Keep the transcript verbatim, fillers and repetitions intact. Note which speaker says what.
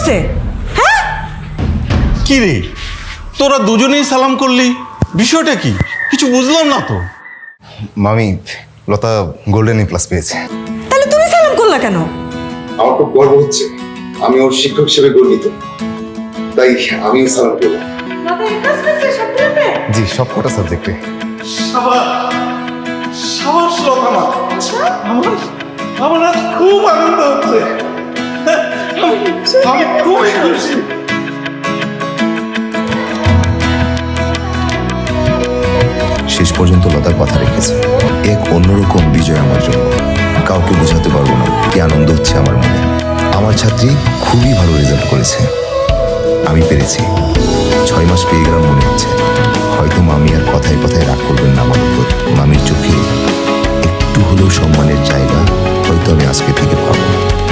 Speaker 1: করছে? হ্যাঁ
Speaker 2: কি রে, তোরা দুজনেই সালাম করলি, বিষয়টা কি? কিছু বুঝলাম না তো।
Speaker 3: মামি, লতা গোল্ডেন এ প্লাস পেয়েছে।
Speaker 1: তাহলে তুমি সালাম করলা কেন?
Speaker 3: আমার খুব গর্ব হচ্ছে, আমি ওর শিক্ষক হিসেবে গর্বিত, তাই আমি সালাম করলাম। জি, সব কটা সাবজেক্টে।
Speaker 2: সাবাস সাবাস লতা মা, আমার আমার আজ খুব আনন্দ হচ্ছে। আমি আমি খুবই খুশি।
Speaker 3: শেষ পর্যন্ত লতার কথা রেখেছে। এক অন্যরকম বিজয় আমার জন্য, কাউকে বোঝাতে পারবো না কি আনন্দ হচ্ছে আমার মনে। আমার ছাত্রী খুবই ভালো রেজাল্ট করেছে, আমি পেরেছি। ছয় মাস পেয়ে গেলাম মনে হচ্ছে। হয়তো মামি আর কথায় কথায় রাগ করবেন না আমার উপর। মামির চোখে একটু হলেও সম্মানের জায়গা হয়তো আমি আজকে থেকে পাবো।